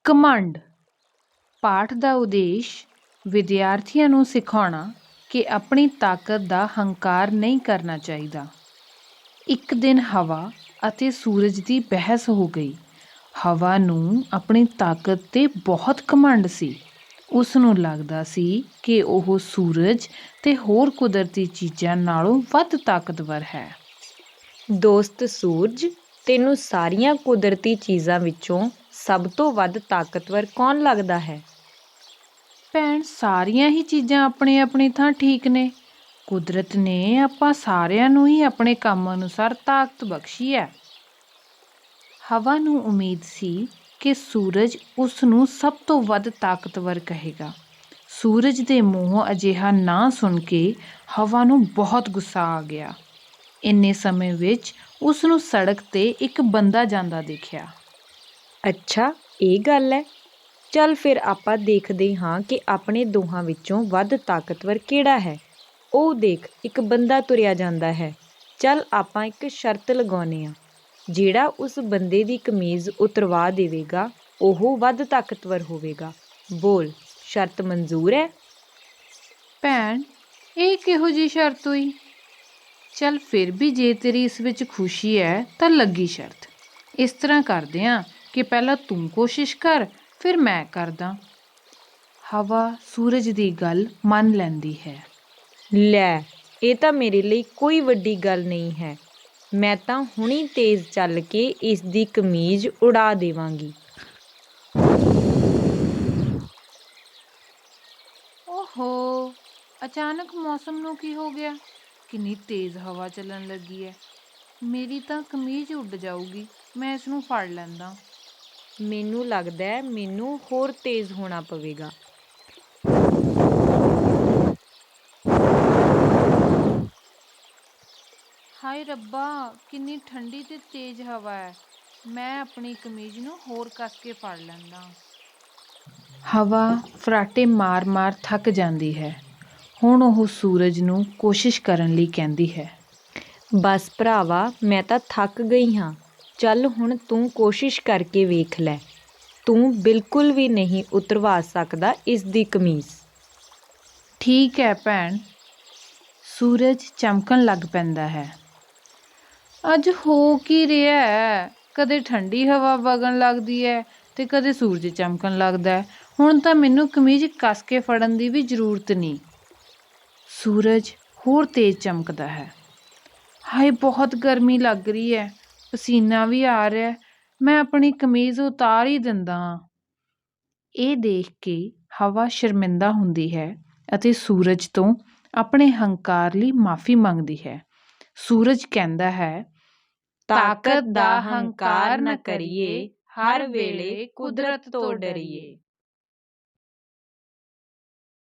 ਘਮੰਡ। ਪਾਠ ਦਾ ਉਦੇਸ਼ ਵਿਦਿਆਰਥੀਆਂ ਨੂੰ ਸਿਖਾਉਣਾ ਕਿ ਆਪਣੀ ਤਾਕਤ ਦਾ ਹੰਕਾਰ ਨਹੀਂ ਕਰਨਾ ਚਾਹੀਦਾ। ਇੱਕ ਦਿਨ ਹਵਾ ਅਤੇ ਸੂਰਜ ਦੀ ਬਹਿਸ ਹੋ ਗਈ। ਹਵਾ ਨੂੰ ਆਪਣੀ ਤਾਕਤ 'ਤੇ ਬਹੁਤ ਘਮੰਡ ਸੀ। ਉਸ ਨੂੰ ਲੱਗਦਾ ਸੀ ਕਿ ਉਹ ਸੂਰਜ ਅਤੇ ਹੋਰ ਕੁਦਰਤੀ ਚੀਜ਼ਾਂ ਨਾਲੋਂ ਵੱਧ ਤਾਕਤਵਰ ਹੈ। ਦੋਸਤ ਸੂਰਜ, ਤੈਨੂੰ ਸਾਰੀਆਂ ਕੁਦਰਤੀ ਚੀਜ਼ਾਂ ਵਿੱਚੋਂ ਸਭ ਤੋਂ ਵੱਧ ਤਾਕਤਵਰ ਕੌਣ ਲੱਗਦਾ ਹੈ? ਭੈਣ, ਸਾਰੀਆਂ ਹੀ ਚੀਜ਼ਾਂ ਆਪਣੀ ਆਪਣੀ ਥਾਂ ਠੀਕ ਨੇ। ਕੁਦਰਤ ਨੇ ਆਪਾਂ ਸਾਰਿਆਂ ਨੂੰ ਹੀ ਆਪਣੇ ਕੰਮ ਅਨੁਸਾਰ ਤਾਕਤ ਬਖਸ਼ੀ ਹੈ। ਹਵਾ ਨੂੰ ਉਮੀਦ ਸੀ ਕਿ ਸੂਰਜ ਉਸ ਨੂੰ ਸਭ ਤੋਂ ਵੱਧ ਤਾਕਤਵਰ ਕਹੇਗਾ। ਸੂਰਜ ਦੇ ਮੂੰਹੋਂ ਅਜਿਹਾ ਨਾ ਸੁਣ ਕੇ ਹਵਾ ਨੂੰ ਬਹੁਤ ਗੁੱਸਾ ਆ ਗਿਆ। ਇੰਨੇ ਸਮੇਂ ਵਿੱਚ ਉਸ ਨੂੰ ਸੜਕ 'ਤੇ ਇੱਕ ਬੰਦਾ ਜਾਂਦਾ ਦੇਖਿਆ। ਅੱਛਾ, ਇਹ ਗੱਲ ਹੈ। ਚੱਲ ਫਿਰ ਆਪਾਂ ਦੇਖਦੇ ਹਾਂ ਕਿ ਆਪਣੇ ਦੋਹਾਂ ਵਿੱਚੋਂ ਵੱਧ ਤਾਕਤਵਰ ਕਿਹੜਾ ਹੈ। ਉਹ ਦੇਖ, ਇੱਕ ਬੰਦਾ ਤੁਰਿਆ ਜਾਂਦਾ ਹੈ। ਚੱਲ ਆਪਾਂ ਇੱਕ ਸ਼ਰਤ ਲਗਾਉਂਦੇ ਹਾਂ। ਜਿਹੜਾ ਉਸ ਬੰਦੇ ਦੀ ਕਮੀਜ਼ ਉਤਰਵਾ ਦੇਵੇਗਾ ਉਹ ਵੱਧ ਤਾਕਤਵਰ ਹੋਵੇਗਾ। ਬੋਲ, ਸ਼ਰਤ ਮਨਜ਼ੂਰ ਹੈ? ਭੈਣ, ਇਹ ਕਿਹੋ ਜਿਹੀ ਸ਼ਰਤ ਹੋਈ? ਚੱਲ ਫਿਰ ਵੀ ਜੇ ਤੇਰੀ ਇਸ ਵਿੱਚ ਖੁਸ਼ੀ ਹੈ ਤਾਂ ਲੱਗੀ ਸ਼ਰਤ। ਇਸ ਤਰ੍ਹਾਂ ਕਰਦੇ ਹਾਂ ਕਿ ਪਹਿਲਾਂ ਤੂੰ ਕੋਸ਼ਿਸ਼ ਕਰ, ਫਿਰ ਮੈਂ ਕਰਦਾ। ਹਵਾ ਸੂਰਜ ਦੀ ਗੱਲ ਮੰਨ ਲੈਂਦੀ ਹੈ। ਲੈ, ਇਹ ਤਾਂ ਮੇਰੇ ਲਈ ਕੋਈ ਵੱਡੀ ਗੱਲ ਨਹੀਂ ਹੈ। ਮੈਂ ਤਾਂ ਹੁਣੀ ਤੇਜ਼ ਚੱਲ ਕੇ ਇਸ ਦੀ ਕਮੀਜ਼ ਉਡਾ ਦੇਵਾਂਗੀ। ਓਹੋ, ਅਚਾਨਕ ਮੌਸਮ ਨੂੰ ਕੀ ਹੋ ਗਿਆ? ਕਿੰਨੀ ਤੇਜ਼ ਹਵਾ ਚੱਲਣ ਲੱਗੀ ਹੈ। ਮੇਰੀ ਤਾਂ ਕਮੀਜ਼ ਉੱਡ ਜਾਊਗੀ। ਮੈਂ ਇਸ ਨੂੰ ਫੜ ਲੈਂਦਾ। ਮੈਨੂੰ ਲੱਗਦਾ ਹੈ ਮੈਨੂੰ ਹੋਰ ਤੇਜ਼ ਹੋਣਾ ਪਵੇਗਾ। ਹਾਏ ਰੱਬਾ, ਕਿੰਨੀ ਠੰਡੀ ਤੇ ਤੇਜ਼ ਹਵਾ ਹੈ। ਮੈਂ ਆਪਣੀ ਕਮੀਜ਼ ਨੂੰ ਹੋਰ ਕੱਸ ਕੇ ਫੜ ਲੈਂਦਾ। ਹਵਾ ਫਰਾਟੇ ਮਾਰ-ਮਾਰ ਥੱਕ ਜਾਂਦੀ ਹੈ। ਹੁਣ ਉਹ ਸੂਰਜ ਨੂੰ ਕੋਸ਼ਿਸ਼ ਕਰਨ ਲਈ ਕਹਿੰਦੀ ਹੈ। ਬਸ ਭਰਾਵਾ, ਮੈਂ ਤਾਂ ਥੱਕ ਗਈ ਹਾਂ। ਚੱਲ ਹੁਣ ਤੂੰ ਕੋਸ਼ਿਸ਼ ਕਰਕੇ ਵੇਖ ਲੈ। ਤੂੰ ਬਿਲਕੁਲ ਵੀ ਨਹੀਂ ਉਤਰਵਾ ਸਕਦਾ ਇਸ ਦੀ ਕਮੀਜ਼। ਠੀਕ ਹੈ ਭੈਣ। ਸੂਰਜ ਚਮਕਣ ਲੱਗ ਪੈਂਦਾ ਹੈ। ਅੱਜ ਹੋ ਕੀ ਰਿਹਾ ਹੈ? ਕਦੇ ਠੰਡੀ ਹਵਾ ਵਗਣ ਲੱਗਦੀ ਹੈ ਅਤੇ ਕਦੇ ਸੂਰਜ ਚਮਕਣ ਲੱਗਦਾ ਹੈ। ਹੁਣ ਤਾਂ ਮੈਨੂੰ ਕਮੀਜ਼ ਕੱਸ ਕੇ ਫੜਨ ਦੀ ਵੀ ਜ਼ਰੂਰਤ ਨਹੀਂ। ਸੂਰਜ ਹੋਰ ਤੇਜ਼ ਚਮਕਦਾ ਹੈ। ਹਾਏ, ਬਹੁਤ ਗਰਮੀ ਲੱਗ ਰਹੀ ਹੈ। ਪਸੀਨਾ ਵੀ ਆ ਰਿਹਾ। ਮੈਂ ਆਪਣੀ ਕਮੀਜ਼ ਉਤਾਰ ਹੀ ਦਿੰਦਾ ਹਾਂ। ਇਹ ਦੇਖ ਕੇ ਹਵਾ ਸ਼ਰਮਿੰਦਾ ਹੁੰਦੀ ਹੈ ਅਤੇ ਸੂਰਜ ਤੋਂ ਆਪਣੇ ਹੰਕਾਰ ਲਈ ਮਾਫ਼ੀ ਮੰਗਦੀ ਹੈ। ਸੂਰਜ ਕਹਿੰਦਾ ਹੈ, ਤਾਕਤ ਦਾ ਹੰਕਾਰ ਨਾ ਕਰੀਏ, ਹਰ ਵੇਲੇ ਕੁਦਰਤ ਤੋਂ ਡਰੀਏ।